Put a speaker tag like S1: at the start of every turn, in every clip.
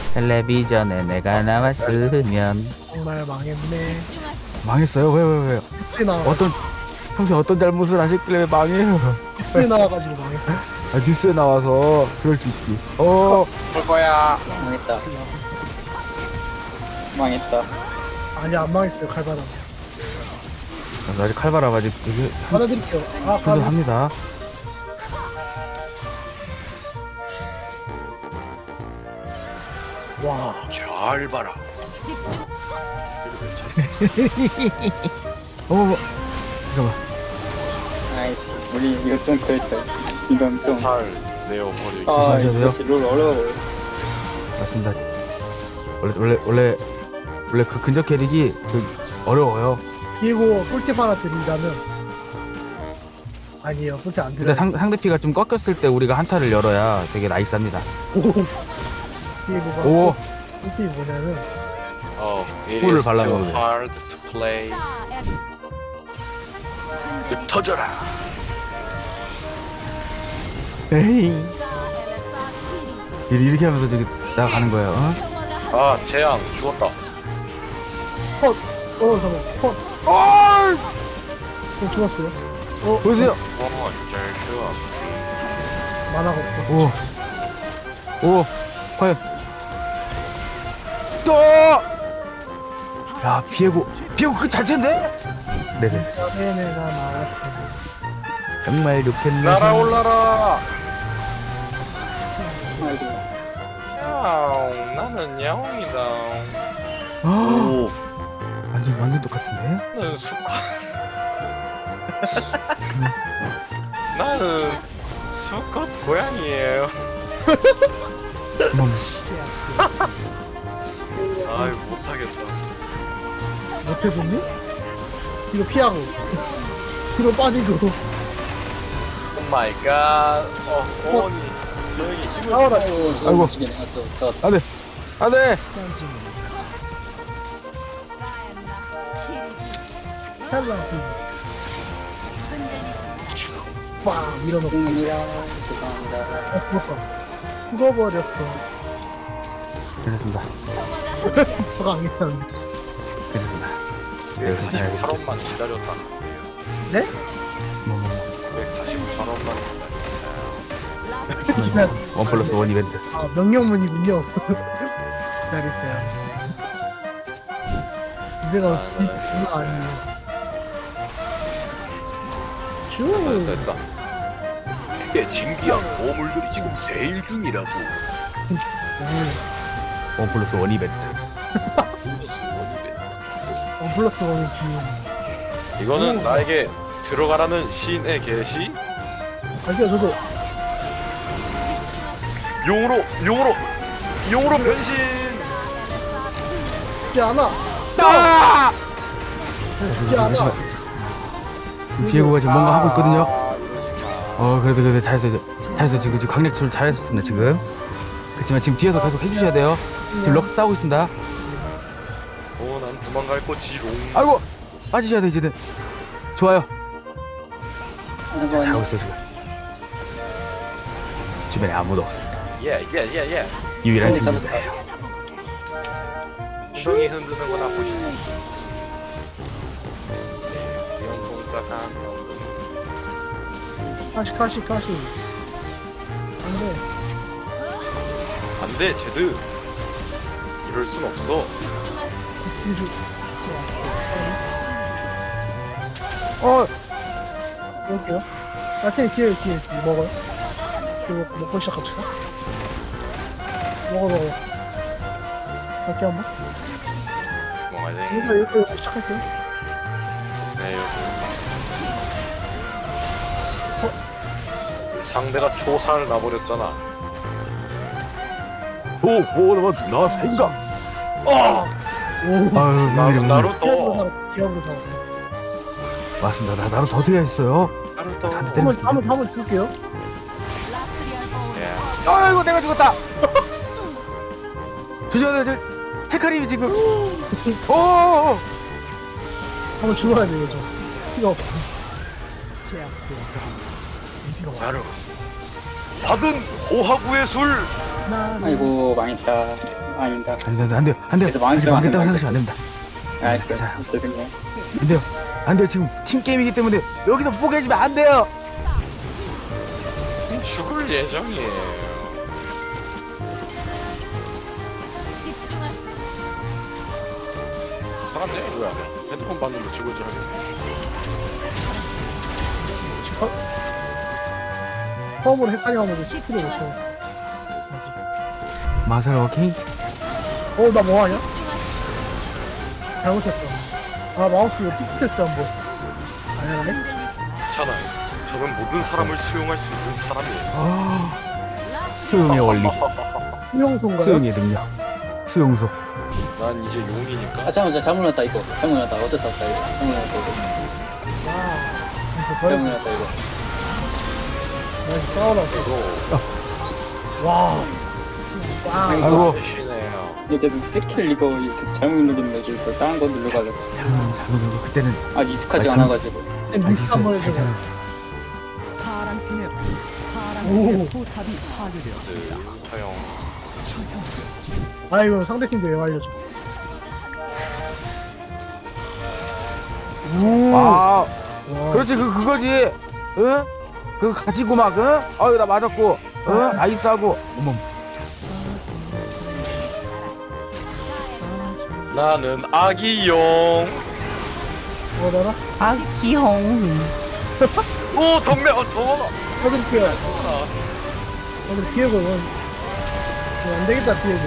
S1: 텔레비전에 내가 나왔으면.
S2: 정말 망했네.
S1: 망했어요? 왜요?
S2: 뉴스에 나와.
S1: 평소에 어떤 잘못을 하셨길래 망해요?
S2: 뉴스에 나와가지고 망했어.
S1: 아, 뉴스에 나와서 그럴 수 있지.
S3: 볼 거야. 망했다. 망했다.
S2: 아니 안 망했어요. 칼바람.
S1: 아직 칼바람 아직 되게
S2: 받아드릴게요. 아 가도
S1: 힘듭니다.
S2: 와.
S3: 잘 봐라.
S1: 어머, 잠깐만.
S3: 아이씨, 우리 이거 좀 그랬다. 이건 좀.
S4: 살 내어버리기.
S1: 조심하셔야 돼요.
S3: 이것이 롤 어려워.
S1: 맞습니다. 원래 그 근접 캐릭이 어려워요.
S2: 그리고 꿀팁 하나 드린다면 아니에요. 꿀팁 안
S1: 근데
S2: 드려요.
S1: 상대 피가 좀 꺾였을 때 우리가 한타를 열어야 되게 나이스합니다.
S2: 그리고
S1: 오,
S2: 꿀팁이 뭐냐면
S4: It
S1: 꿀을
S4: is too
S1: 발라놓은 거예요.
S4: hard to play. 터져라.
S1: 에이. 이렇게 하면서 저기 나가는 거예요. 어?
S4: 아, 재앙 죽었다.
S2: 컷. 잠깐만. 컷. 죽었어요.
S1: 보세요.
S4: 잘 죽어.
S2: 만화가 없어.
S1: 오, 과연 또. 야, 비에고 그 자체인데? 네네.
S2: 내가 나왔어.
S1: 정말 좋겠네.
S4: 날아올라라.
S3: 나이스.
S4: 야옹, 나는 야옹이다.
S1: 오, 완전 똑같은데?
S4: 나는 나는 수컷 고양이에요.
S1: 어머,
S4: 아이, 못하겠다.
S2: 못해줬니? 이거 피하고. 뒤로 빠지고.
S4: 오 마이 갓. 어머니. 저기 힘을
S2: 싸워라.
S1: 아이고. 안돼.
S2: 찰랑. 빵 밀어넣고.
S3: 죄송합니다.
S2: 죽어버렸어.
S1: 괜찮습니다.
S2: 저가 안 괜찮은데.
S1: 괜찮습니다. 여기서 잘
S4: 148원만 기다렸다.
S2: 네?
S1: 뭐.
S4: 148원만
S1: 원 플러스 원 이벤트.
S2: 아 명령문이군요. 기다리세요. 이제가 이거 아니에요. 슈.
S4: 됐다. 이게 진기한 보물들이 지금 세일 중이라고.
S1: 원 플러스 원 이벤트.
S2: 플러스 원이 귀여워.
S4: 이거는 나에게 들어가라는 신의 계시?
S2: 아니요 저도
S4: 용으로 변신.
S2: 쉽지 않아. 쉽지 않아.
S1: 비에고가 지금 뭔가 하고 있거든요. 그래도 잘했어. 지금 강력출 잘했습니다 지금. 그렇지만 지금 뒤에서 계속 해주셔야 돼요. 지금 럭스 싸우고 있습니다.
S4: 난 도망갈 거지롱.
S1: 아이고, 빠지셔야 돼 이제는. 좋아요. 잘하고 있어 지금. 주변에 아무도 없습니다.
S4: 예.
S1: 유일한 생존자예요.
S4: 엉덩이 흔드는 거나 보시죠. 귀여운 동작 한
S2: 가시. 안돼.
S4: 안돼, 제드. 이럴 순 없어.
S2: 유주. 먹을게요. 뒤에 먹어요. 그거 먹고 시작합시다. 먹어. 갈게 한번.
S4: 먹어야 돼.
S2: 이거 시작할게요.
S4: 세요. 상대가 초사를 놔버렸잖아.
S1: 나 생각. 아유,
S4: 나루토.
S2: 기억으로 살아.
S1: 맞습니다. 나로 더 돼야 했어요.
S4: 나루토.
S1: 저한테 때리고 싶은데.
S2: 한번 줄게요.
S4: 예.
S1: 아이고, 내가 죽었다. 조심하세요. 저 헤카림이 지금.
S2: 한번 죽어야 돼요, 저. 피가 없어.
S4: 나루. 받은 호하구의 술
S3: 아이고 망했다. 아닌다.
S1: 안 돼요.
S3: 그래서 망했어요,
S1: 아직 망했다고
S3: 망했어요.
S1: 생각하시면 안 됩니다.
S3: 아 그래.
S1: 자.
S3: 죄송해요.
S1: 안 돼요. 지금 팀 게임이기 때문에 여기서 포기하시면 안 돼요.
S4: 죽을 예정이에요. 사람들 뭐야? 헤드폰 봤는데 죽을 줄 알았네.
S2: 처음으로 헷갈려가지고 10kg 못 채웠어. 아직.
S1: 마살 워킹.
S2: 나 뭐하냐? 잘못했어. 아, 마우스 이거 픽패스 한 번. 아니네?
S4: 괜찮아요. 저는 모든 사람을 수용할 수 있는 사람이에요.
S1: 수용의 원리,
S2: 수용소인가요?
S1: 수용의 능력, 수용소.
S4: 난 이제 용이니까.
S3: 아 잠깐만 잘못 났다 이거. 잘못 났다. 어쩔 수 없다 이거. 잘못 났다 이거. 잘못 났다 이거.
S2: 나이스 싸워라.
S4: 이거
S2: 와.
S1: 아이고.
S4: 대신해요.
S3: 이거 계속 스킬 이거 계속 잘못 누르는 거지. 이거 다른 거 누르가지고.
S1: 잘못 누르고 그때는
S3: 아 익숙하지
S1: 아,
S3: 않아가지고.
S2: 미스 한번 해줘.
S1: 괜찮아.
S2: 오.
S4: 허용.
S2: 아, 이거 상대팀도 왜 알려줘. 오.
S1: 아,
S2: 와.
S1: 그렇지 그거지. 응? 그거 가지고 막 응? 아유 나 맞았고, 응? 아이스하고. 어머.
S4: 나는 아기용.
S2: 뭐더라?
S4: 오 덕매. 어.
S2: 어들 피해. 어들 피해고. 안 되겠다, 피해고.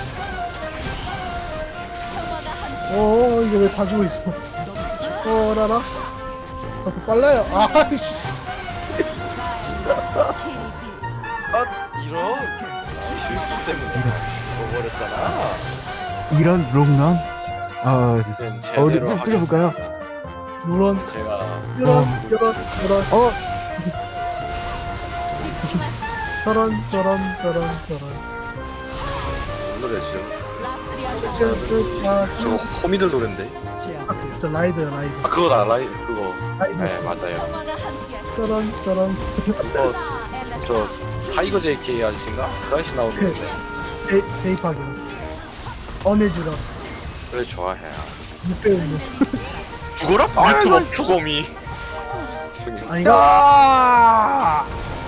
S2: 이거 왜 다 죽어 있어? 라라. 빨라요. 아씨.
S4: 아 이런 실수 때문에 죽어버렸잖아.
S1: 이런 롱런.
S4: 이젠
S1: 어디
S4: 제대로
S1: 좀 줄여볼까요?
S2: 누런.
S4: 제가
S2: 누런. 저런.
S4: 노래 지금
S2: 아,
S4: 저거 호미들 노랜데.
S2: 저 라이드.
S4: 아 그거다 라이 그거.
S2: 라이드.
S4: 네 맞아요.
S2: 저런.
S4: 저 타이거 JK 아저씨인가? 그 아저씨 나오는데.
S2: 제이파기. 언해주라.
S4: 그래 좋아해.
S2: 육배우는.
S4: 죽어라? 유튜버 추곰이. 승인.
S2: 아닌가?
S1: 아!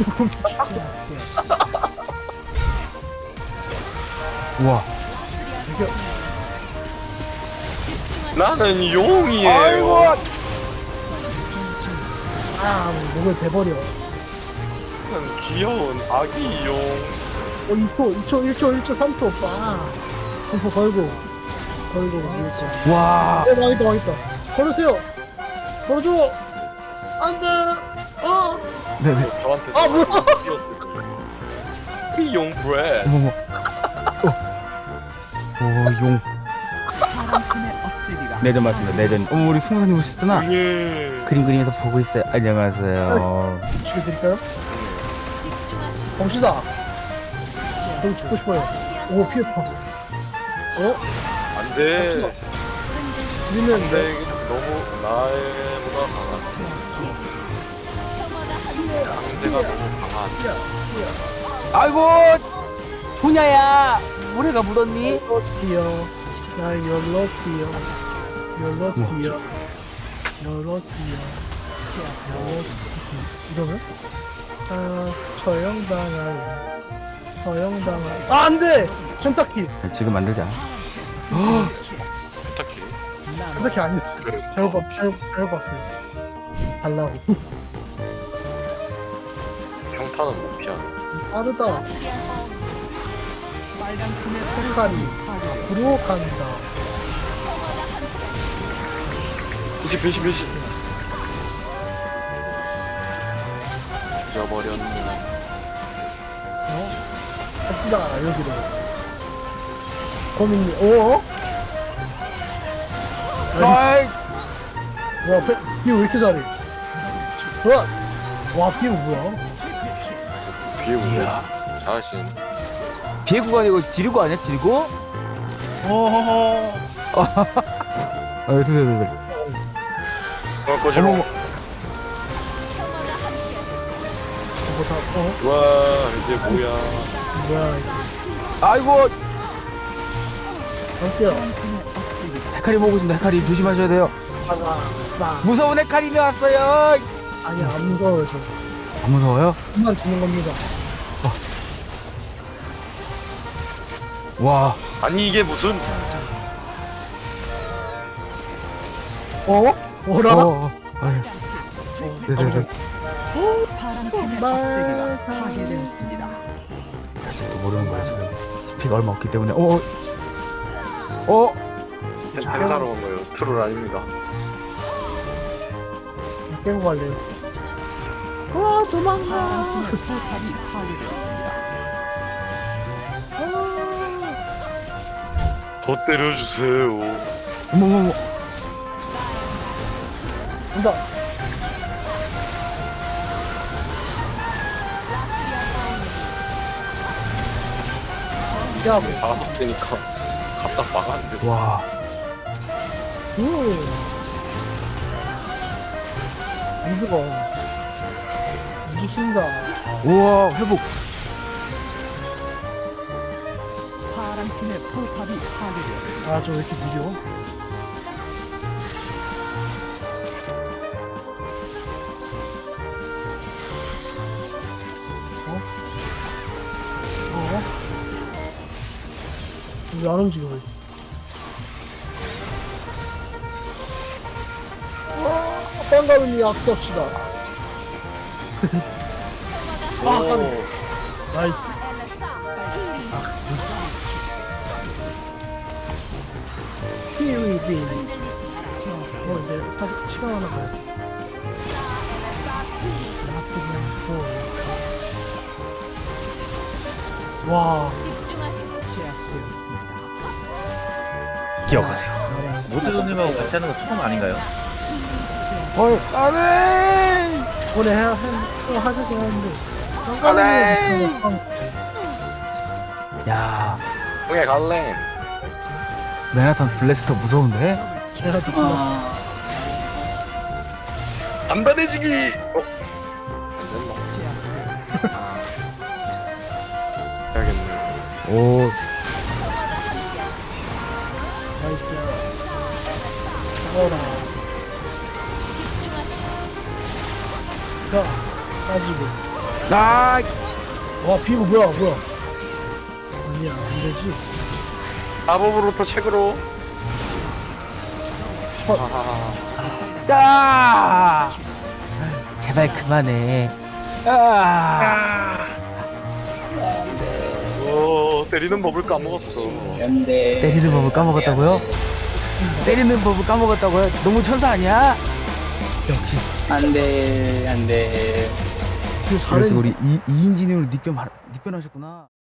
S1: 우와.
S4: 나는 용이에요.
S1: 아이고.
S2: 목을 대버려.
S4: 나는 귀여운 아기 용.
S2: 2초, 3초, 오빠. 공포 걸고. 밀자.
S1: 와.
S2: 망했다. 걸으세요. 걸어줘. 안 돼.
S1: 네네.
S4: 저한테
S2: 뭐야?
S4: 귀용 브레스.
S1: 어머머. 용. 내전 맞습니다. 내전. 우리 승사님 오셨구나.
S4: 예.
S1: 그림 그리면서 보고 있어요. 안녕하세요.
S2: 죽여드릴까요? 봅시다. 저기 죽고 싶어요. 오, 피했다.
S4: 안돼.
S2: 우리는
S4: 안돼. 너무 나보다 강한. 상대가 너무 강한.
S1: 아이고. 조냐야. 모래가 묻었니?
S2: 열로티요. 나 열로티요. 이러면? 처형당할. 안 돼! 켄타키!
S1: 지금 만들자.
S4: 펜타키.
S2: 켄타키 아니었어. 잘못 봤어요. 달라고.
S4: 평타는 못 피하네.
S2: 빠르다. 켄타리. 앞으로 간다.
S4: 이제 배신. 잊어버렸네.
S2: 갑시다, 여기로. 고민이, 오?
S1: 아이.
S2: 와, 비오 왜 이렇게 잘해? 와, 비오 뭐야?
S4: 뒤에 오네. 잘하신.
S1: 비애구가 아니고 지르고 아니야? 지르고?
S2: 어허허.
S1: 드세요.
S4: 그럴 거지롱.
S2: 뭐 다,
S4: 와 이제 뭐야.
S2: 뭐야, 이거.
S1: 아이고
S2: 갈게요.
S1: 헤카리 보고 있습니다. 헤카리 조심하셔야 돼요. 무서운 헤카림이 왔어요.
S2: 아니 안 무서워요 저.
S1: 안 무서워요?
S2: 그만 주는 겁니다.
S1: 와.
S4: 아니 이게 무슨
S2: 어? 뭐라?
S1: 아유. 네네네. 사실 또 모르는 거야 지금. 피가 얼마 없기 때문에.
S4: 행사로 온 거예요. 트롤 아닙니다.
S2: 깨고 갈래요. 와 도망가.
S4: 더 때려주세요.
S1: 어머머머.
S2: 온다. 야, 뭐.
S4: 바람 때니까 갖다 막았는데.
S1: 와.
S2: 안 죽어. 안 죽습니다.
S1: 우와 회복.
S2: 아, 저 왜 이렇게 느려? 왜 안 움직여? 빵가루니 악수합시다.
S4: 오.
S2: 나이스. 키위빈. 이제 사실 시간 하나 가야 돼. 와.
S1: 기억하세요.
S5: 모드님하고 같이 하는 거 처음 아닌가요?
S1: 안해.
S2: 오늘 하자긴 하는데.
S1: 야
S4: 형에 갈래.
S1: 맨하탄 블래스터 무서운데?
S2: 제가 느꼈어.
S4: 단단해지기. 해야겠네.
S1: 오.
S2: 나이스. 잡아라. 자, 빠지고.
S1: 아.
S2: 와, 피부 뭐야? 아니야, 안 되지.
S4: 마법으로부터 책으로.
S1: 아. 제발 그만해. 아.
S4: 오, 때리는 법을 까먹었어.
S3: 연대.
S1: 때리는 법을 까먹었다고요? 때리는 법을 까먹었다고요? 너무 천사 아니야? 역시.
S3: 안돼.
S2: 그
S1: 그래서 우리 이인진으로 닉변하셨구나.